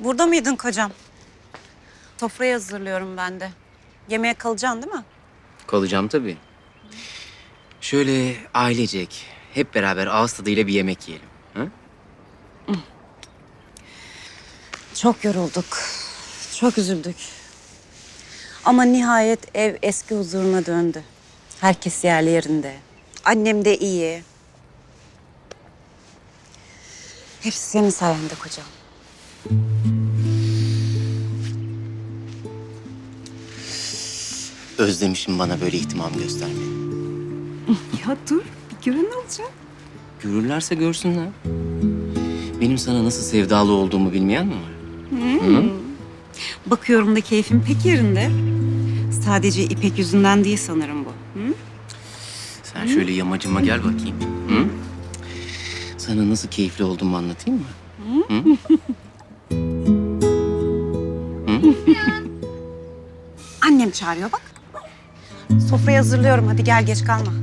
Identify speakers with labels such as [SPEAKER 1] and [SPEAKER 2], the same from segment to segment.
[SPEAKER 1] Burada mıydın kocam? Sofrayı hazırlıyorum ben de. Yemeğe kalacaksın değil mi?
[SPEAKER 2] Kalacağım tabii. Şöyle ailecek, hep beraber ağız tadıyla bir yemek yiyelim. Ha?
[SPEAKER 1] Çok yorulduk. Çok üzüldük. Ama nihayet ev eski huzuruna döndü. Herkes yerli yerinde. Annem de iyi. Hepsi senin sayende kocam.
[SPEAKER 2] Özlemişim bana böyle ihtimam göstermeyi.
[SPEAKER 1] Ya dur, bir görün olacak.
[SPEAKER 2] Görürlerse görsünler. Benim sana nasıl sevdalı olduğumu bilmeyen mi var?
[SPEAKER 1] Bakıyorum da keyfim pek yerinde. Sadece İpek yüzünden değil sanırım bu. Hı?
[SPEAKER 2] Sen şöyle yamacıma gel bakayım. Hı? Sana nasıl keyifli olduğumu anlatayım mı? Hı?
[SPEAKER 1] Annem çağırıyor bak. Sofrayı hazırlıyorum. Hadi gel geç kalma.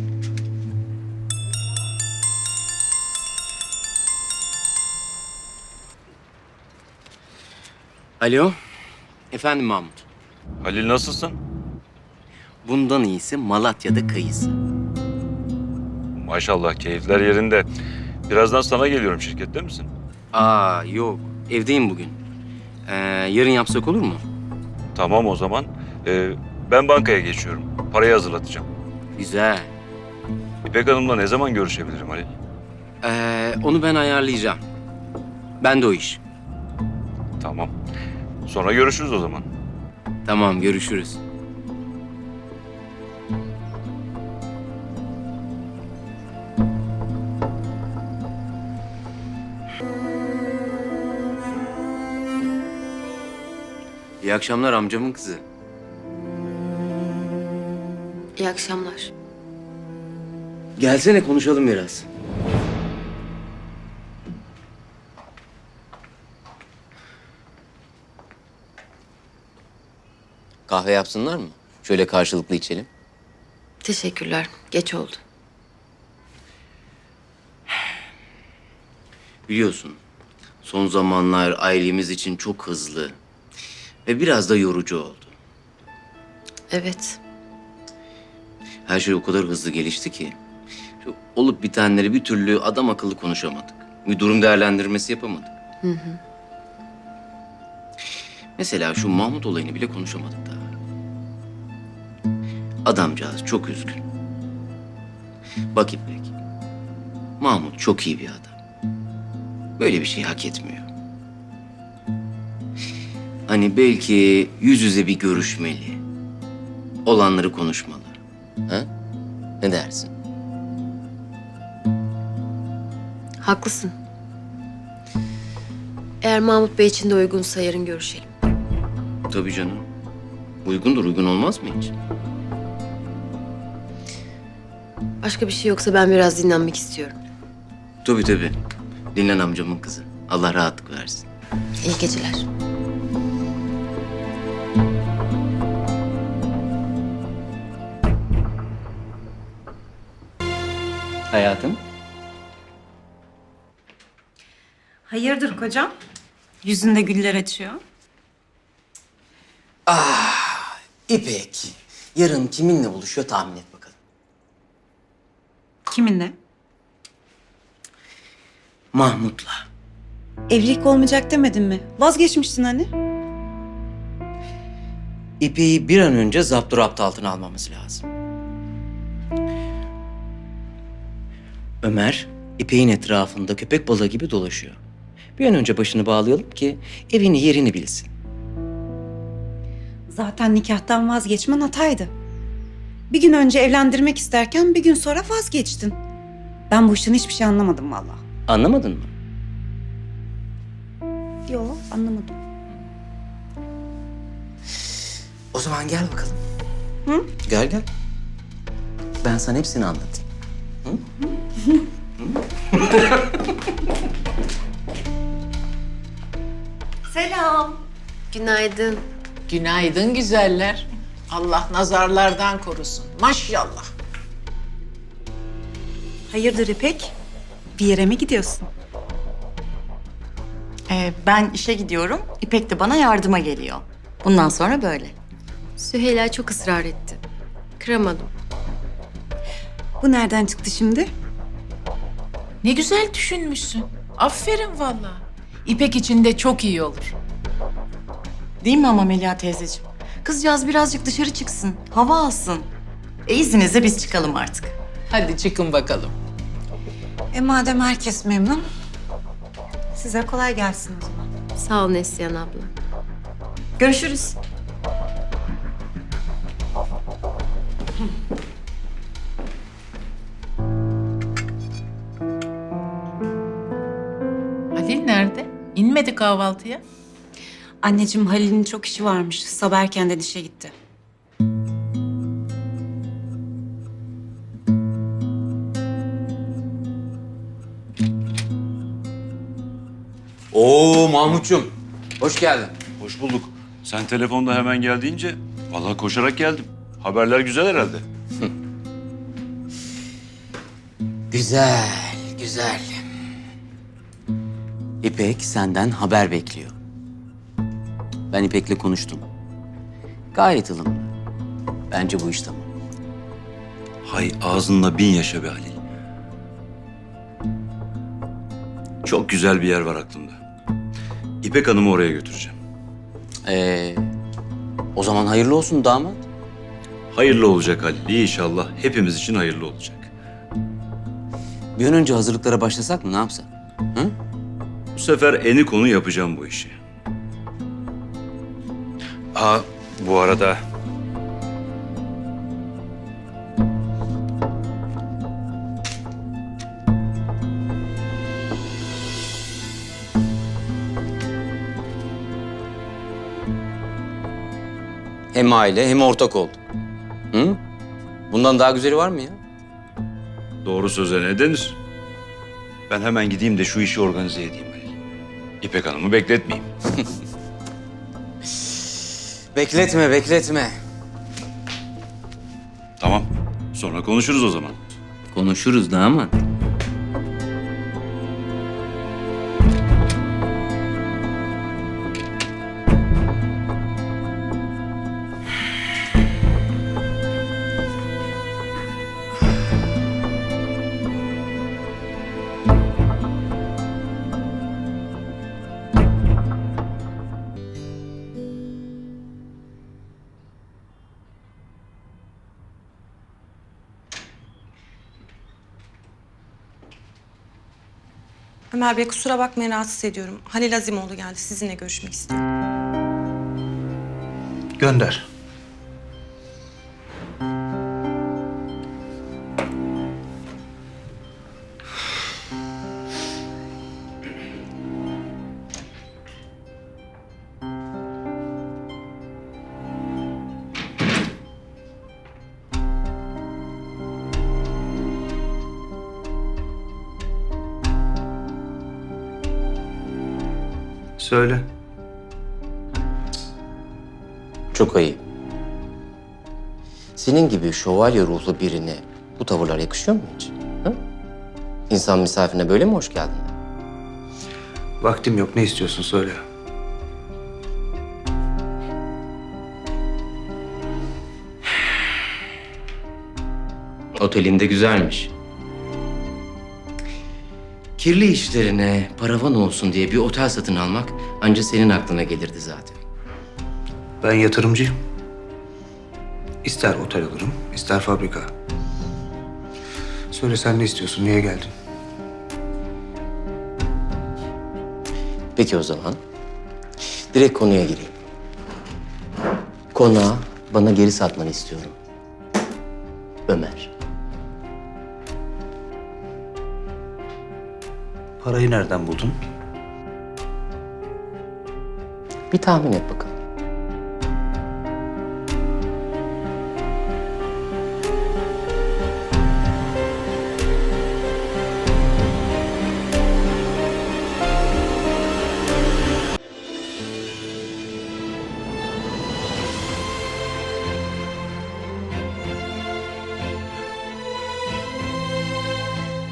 [SPEAKER 2] Alo. Efendim Mahmut.
[SPEAKER 3] Halil nasılsın?
[SPEAKER 2] Bundan iyisi Malatya'da kayısı.
[SPEAKER 3] Maşallah keyifler yerinde. Birazdan sana geliyorum, şirkette misin?
[SPEAKER 2] Aa yok. Evdeyim bugün. Yarın yapsak olur mu?
[SPEAKER 3] Tamam o zaman. Ben bankaya geçiyorum. Parayı hazırlatacağım.
[SPEAKER 2] Güzel.
[SPEAKER 3] İpek Hanım'la ne zaman görüşebilirim Halil?
[SPEAKER 2] Onu ben ayarlayacağım. Ben de o iş.
[SPEAKER 3] Tamam. Sonra görüşürüz o zaman.
[SPEAKER 2] Tamam görüşürüz. İyi akşamlar amcamın kızı.
[SPEAKER 4] İyi akşamlar.
[SPEAKER 2] Gelsene konuşalım biraz. Kahve yapsınlar mı? Şöyle karşılıklı içelim.
[SPEAKER 4] Teşekkürler. Geç oldu.
[SPEAKER 2] Biliyorsun, son zamanlar ailemiz için çok hızlı ve biraz da yorucu oldu.
[SPEAKER 4] Evet.
[SPEAKER 2] Her şey o kadar hızlı gelişti ki şu olup bitenleri bir türlü adam akıllı konuşamadık. Bir durum değerlendirmesi yapamadık. Mesela şu Mahmut olayını bile konuşamadık daha. Adamcağız çok üzgün. Bak İpek, Mahmut çok iyi bir adam. Böyle bir şey hak etmiyor. Hani belki yüz yüze bir görüşmeli. Olanları konuşmalı. Ha? Ne dersin?
[SPEAKER 4] Haklısın. Eğer Mahmut Bey için de uygunsa yarın görüşelim.
[SPEAKER 2] Tabii canım. Uygundur, uygun olmaz mı hiç?
[SPEAKER 4] Başka bir şey yoksa ben biraz dinlenmek istiyorum.
[SPEAKER 2] Tabii tabii. Dinlen amcamın kızı. Allah rahatlık versin.
[SPEAKER 4] İyi geceler.
[SPEAKER 2] Hayatım.
[SPEAKER 1] Hayırdır kocam? Yüzünde güller açıyor.
[SPEAKER 2] İpek, yarın kiminle buluşuyor tahmin et bakalım.
[SPEAKER 1] Kiminle?
[SPEAKER 2] Mahmut'la.
[SPEAKER 1] Evlilik olmayacak demedin mi? Vazgeçmiştin hani.
[SPEAKER 2] İpek'i bir an önce zapturapt altına almamız lazım. Ömer, İpek'in etrafında köpek balığı gibi dolaşıyor. Bir an önce başını bağlayalım ki evini yerini bilsin.
[SPEAKER 1] Zaten nikahtan vazgeçmen hataydı. Bir gün önce evlendirmek isterken bir gün sonra vazgeçtin. Ben bu işten hiçbir şey anlamadım vallahi.
[SPEAKER 2] Anlamadın mı?
[SPEAKER 1] Yok anlamadım.
[SPEAKER 2] O zaman gel bakalım.
[SPEAKER 1] Hı?
[SPEAKER 2] Gel gel. Ben sana hepsini anlatayım.
[SPEAKER 1] Selam.
[SPEAKER 4] Günaydın.
[SPEAKER 5] Günaydın güzeller. Allah nazarlardan korusun. Maşallah.
[SPEAKER 1] Hayırdır İpek? Bir yere mi gidiyorsun?
[SPEAKER 6] Ben işe gidiyorum. İpek de bana yardıma geliyor. Bundan sonra böyle.
[SPEAKER 4] Süheyla çok ısrar etti. Kıramadım.
[SPEAKER 1] Bu nereden çıktı şimdi?
[SPEAKER 5] Ne güzel düşünmüşsün. Aferin vallahi. İpek için de çok iyi olur.
[SPEAKER 6] Değil mi ama Melia teyzeciğim? Kızcağız birazcık dışarı çıksın, hava alsın. İzninizle biz çıkalım artık.
[SPEAKER 5] Hadi çıkın bakalım.
[SPEAKER 1] Madem herkes memnun, size kolay gelsin o zaman.
[SPEAKER 4] Sağ ol Neslihan abla.
[SPEAKER 6] Görüşürüz.
[SPEAKER 5] Halil nerede? İnmedi kahvaltıya.
[SPEAKER 1] Anneciğim Halil'in çok işi varmış. Sabah erkenden işe gitti.
[SPEAKER 2] Oo Mahmut'cum, hoş geldin.
[SPEAKER 3] Hoş bulduk. Sen telefonda hemen geldiğince vallahi koşarak geldim. Haberler güzel herhalde.
[SPEAKER 2] Güzel, güzel. İpek senden haber bekliyor. Ben İpek'le konuştum. Gayet ılımlı. Bence bu iş tamam.
[SPEAKER 3] Hay ağzınla bin yaşa be Halil. Çok güzel bir yer var aklımda. İpek Hanım'ı oraya götüreceğim.
[SPEAKER 2] O zaman hayırlı olsun damat.
[SPEAKER 3] Hayırlı olacak Halil. İnşallah hepimiz için hayırlı olacak.
[SPEAKER 2] Bir an önce hazırlıklara başlasak mı, ne yapsak? Hı?
[SPEAKER 3] Bu sefer eni konu yapacağım bu işi. Bu arada
[SPEAKER 2] Hem aile hem ortak oldu. Hı? Bundan daha güzeli var mı ya?
[SPEAKER 3] doğru söze ne denir? Ben hemen gideyim de şu işi organize edeyim Halil. İpek Hanım'ı bekletmeyeyim.
[SPEAKER 2] Bekletme, bekletme.
[SPEAKER 3] Tamam. Sonra konuşuruz o zaman.
[SPEAKER 2] Konuşuruz damat.
[SPEAKER 7] Ömer Bey kusura bakmayın rahatsız ediyorum. Halil Azimoğlu geldi. Sizinle görüşmek istiyor.
[SPEAKER 8] Gönder. Söyle.
[SPEAKER 2] Çok ayıp. Senin gibi şövalye ruhlu birine bu tavırlar yakışıyor mu hiç? Hı? İnsan misafirine böyle mi hoş geldin der?
[SPEAKER 8] Vaktim yok. Ne istiyorsun söyle.
[SPEAKER 2] Otelinde güzelmiş. Kirli işlerine paravan olsun diye bir otel satın almak ancak senin aklına gelirdi zaten.
[SPEAKER 8] Ben yatırımcıyım. İster otel alırım, ister fabrika. Söyle sen ne istiyorsun, niye geldin?
[SPEAKER 2] Peki o zaman direkt konuya gireyim. Konağı bana geri satmanı istiyorum. Ömer.
[SPEAKER 8] Parayı nereden buldun?
[SPEAKER 2] Bir tahmin et bakalım.